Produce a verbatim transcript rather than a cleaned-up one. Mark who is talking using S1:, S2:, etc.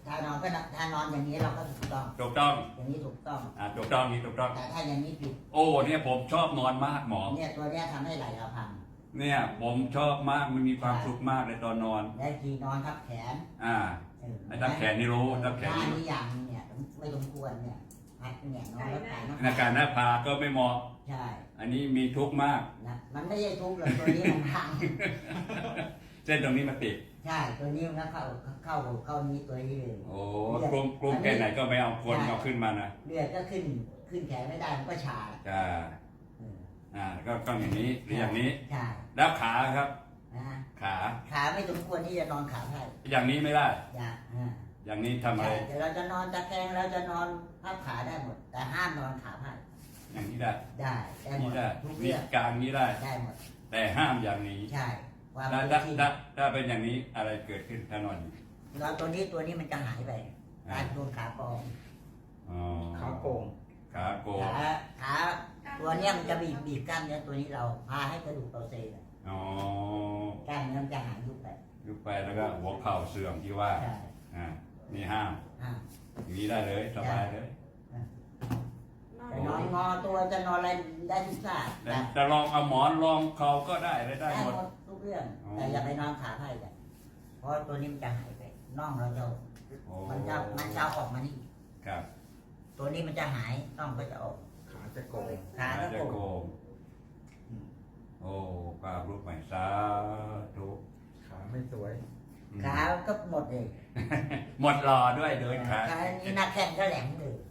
S1: ถ้านอนก็ถ้านอนอย่างนี้เราก็ถูกต้อง
S2: ถูกต้อง
S1: อย่างนี้ถูกต้อง
S2: อ่าถูกต้องนี้ถูกต้อง
S1: แต่ถ้าอย่างนี้ผิด
S2: โอ้เนี่ยผมชอบนอนมากหมอ
S1: เนี่ยตัวเนี้ยทำให้ไหล่เราพัง
S2: เนี่ยผมชอบมากมันมีความสุขมากเลยตอนนอน
S1: และทีนอนทับแขน
S2: อ่าไอ้ทับแขนนี่รู้ทับแขน
S1: นี่นี่อย่างเนี่ยไม่สมควรเนี่ยพัดเนี่ยนอนแล้วแขน
S2: ในการหน้าผาก็ไม่เหมาะ
S1: ใช่
S2: อันนี้มีทุกข์มาก
S1: นะมันไม่ใช่ทุกข์เลยตัวนี้มันพัง
S2: เส้นตรงนี้มันติด
S1: ใช่ตัวนี้มันเข้าเข้าเข้านี้ตัวนี้เลย
S2: โอ้กลุ่มกลุ่มแค่ไหนก็ไม่เอาคนเอาขึ้นมานะ
S1: เลือดก็ขึ้นขึ้นแขนไม่ได้มันก็ชา
S2: จ้าอ่าก็ต้องอย่างนี้หรืออย่างนี้
S1: ใช่
S2: แล้วขาครับขา
S1: ขาไม่สมควรที่จะนอนขาไพ่
S2: อย่างนี้ไม่ได้
S1: อย่าง
S2: อย่างนี้ทำอะไร
S1: เดี๋ยวเราจะนอนตะแคงเราจะนอนพับขาได้หมดแต่ห้ามนอนขาไพ่
S2: อย่างนี้ได้
S1: ได้ได้หมดทุก
S2: เรื่องการนี้ได้
S1: ได้หมด
S2: แต่ห้ามอย่างนี้
S1: ใช่
S2: ถ้าถ้าถ้าเป็นอย่างนี้อะไรเกิดขึ้นถ้านอน
S1: เราตัวนี้ตัวนี้มันจะหายไปการโดนขาโกง
S2: ขาโกงขาโกง
S1: ขาขาตัวนี้มันจะบีบบีบกล้ามเนื้อตัวนี้เราพาให้กระดูกเราเซ่
S2: อ๋อก
S1: ล้ามเนื้อมันจะหายยุบไป
S2: ยุบไปแล้วก็หัวเข่าเสื่อมที่ว่าอ่านี่ห้ามอย่างนี้ได้เลยสบายเลย
S1: จะนอนงอตัวจะนอนอะไรได้ทุกท่า
S2: จะลองเอาหมอนรองเข่าก็ได้ได้
S1: ได้หมดทุกเรื่องแต่อย่าไปนอนขาไพ่กันเพราะตัวนี้มันจะหายไปน่องเราจะมันจะมันจะออกมานี่
S2: ครับ
S1: ตัวนี้มันจะหายน่องก็จะออก
S3: ขาจะโกง
S1: ขาจะโกง
S2: โอ้ปลาลูกใหม่สาธุ
S3: ขาไม่สวย
S1: ขาก็หมดเลย
S2: หมดรอด้วยโดยขา
S1: ขานี่นักแข่งก็แหลมเลย